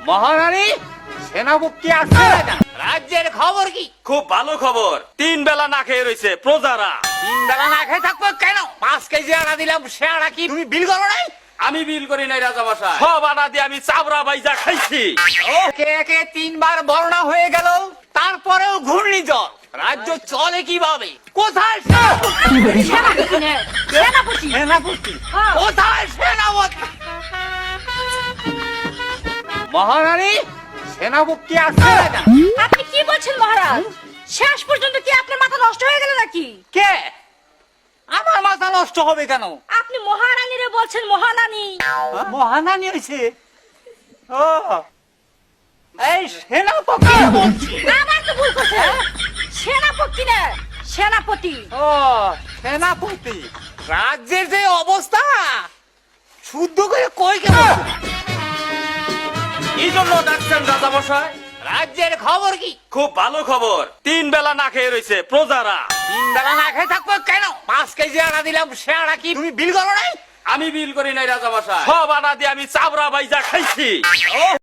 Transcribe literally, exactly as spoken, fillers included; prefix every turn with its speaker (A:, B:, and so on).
A: মহারানী সেনাপতি আসছে না। রাজ্যের খবর কি?
B: খুব ভালো খবর, তিন বেলা না খেয়ে রয়েছে প্রজারা।
A: তিন বেলা না খেয়ে থাকবো কেন? পাঁচ কেজি আটা দিলাম, সে আটা কি তুমি বিল করো নাই?
B: আমি বিল করি নাই রাজামশাই, সব আটা দিয়ে আমি চাবড়া বাইজা খাইছি।
A: একে একে তিনবার বর্ণা হয়ে গেল, তারপরেও ঘূর্ণিঝড়। রাজ্য চলে কিভাবে? কোথায় সেনাপতি?
C: সেনাপতি
A: সেনাপতি
C: হ্যাঁ।
A: কোথায় সেনাপতি? মহারানী সেনাপতি আসছে না।
C: আপনি কি বলছেন মহারাজ? শেষ পর্যন্ত কি আপনার মাথা নষ্ট হয়ে গেল নাকি?
A: কে? আমার মাথা নষ্ট হবে কেন?
C: আপনি মহারানীরে বলছেন মহারানী।
A: মহারানী হয়েছে। ও এই সেনাপতি বলছি।
C: আমার তো ভুল করছে। সেনাপতি না, সেনাপতি।
A: ও সেনাপতি। রাজ্যের যে অবস্থা, শুদ্ধ করে কই কেমন?
B: এই জন্য ডাকছেন রাজামশাই?
A: রাজ্যের খবর কি?
B: খুব ভালো খবর, তিন বেলা না খেয়ে রয়েছে প্রজারা।
A: তিন বেলা না খেয়ে থাকবো কেন? পাঁচ কেজি আটা দিলাম, সে আটা কি তুমি বিল করো নাই?
B: আমি বিল করি নাই রাজামশাই, সব আটা দিয়ে আমি চাবড়া বাইজা খাইছি।